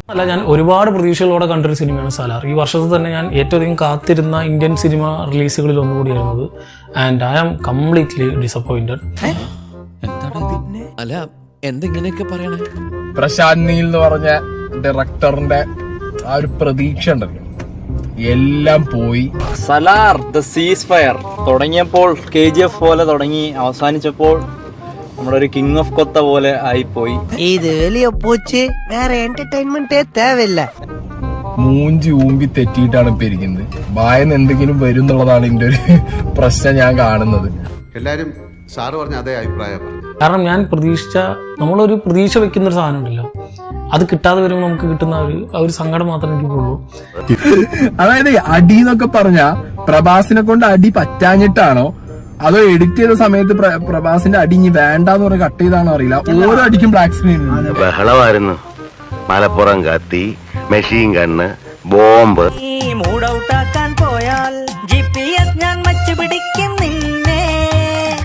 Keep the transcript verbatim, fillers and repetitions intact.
അല്ല, ഞാൻ ഒരുപാട് പ്രതീക്ഷകളോടെ കണ്ടൊരു സിനിമയാണ് സലാർ. ഈ വർഷത്തിൽ തന്നെ ഞാൻ ഏറ്റവും അധികം കാത്തിരുന്ന ഇന്ത്യൻ സിനിമ റിലീസുകളിൽ ഒന്നുകൂടിയായിരുന്നത്. And I am completely disappointed. അല്ല എന്തെങ്ങനെയൊക്കെ പറയണേ? പ്രശാന്ത് നീൽ എന്ന് പറഞ്ഞ ഡയറക്ടറിന്റെ ആ ഒരു പ്രതീക്ഷ ഉണ്ടല്ലോ, എല്ലാം പോയി. സലാർ ദ സീസ് ഫയർ തുടങ്ങിയപ്പോൾ കെ ജി എഫ് പോലെ തുടങ്ങി, അവസാനിച്ചപ്പോൾ നമ്മുടെ ഒരു കിങ് ഓഫ് കൊത്ത പോലെ ആയിപ്പോയി. ഇത് വലിയ പോച്ച്, വേറെ എന്റർടൈൻമെന്റ് തേവില്ല. മൂഞ്ചി ഊമ്പി തെറ്റിയിട്ടാണ് ഇപ്പൊ ഇരിക്കുന്നത്. വായന്ന് എന്തെങ്കിലും വരും എന്നുള്ളതാണ് ഇതിന്റെ ഒരു പ്രശ്നം ഞാൻ കാണുന്നത്. എല്ലാരും സാറ് പറഞ്ഞ അതേ അഭിപ്രായം. കാരണം ഞാൻ പ്രതീക്ഷിച്ച, നമ്മളൊരു പ്രതീക്ഷ വെക്കുന്ന ഒരു സാധനം ഉണ്ടല്ലോ, അത് കിട്ടാതെ വരുമ്പോൾ നമുക്ക് കിട്ടുന്ന ഒരു ഒരു സങ്കടം മാത്രമേ എനിക്കുള്ളൂ. അതായത് അടി എന്നൊക്കെ പറഞ്ഞ പ്രഭാസിനെ കൊണ്ട് അടി പറ്റാഞ്ഞിട്ടാണോ അതോ എഡിറ്റ് ചെയ്ത സമയത്ത് പ്രഭാസിന്റെ അടി ഇനി വേണ്ടെന്ന് പറഞ്ഞ് കട്ട് ചെയ്താണോ അറിയില്ല. ഓരോ അടിക്കും ബ്ലാക്ക് സ്ക്രീൻ ബഹളമായിരുന്നു. മലപ്പുറം കത്തി, മെഷീൻ ഗണ്ണ്, ബോംബ്. മൂഡ് ഔട്ടാക്കാൻ പോയാൽ ജി പി എസ് ഞാൻ മച്ചു പിടിക്കും.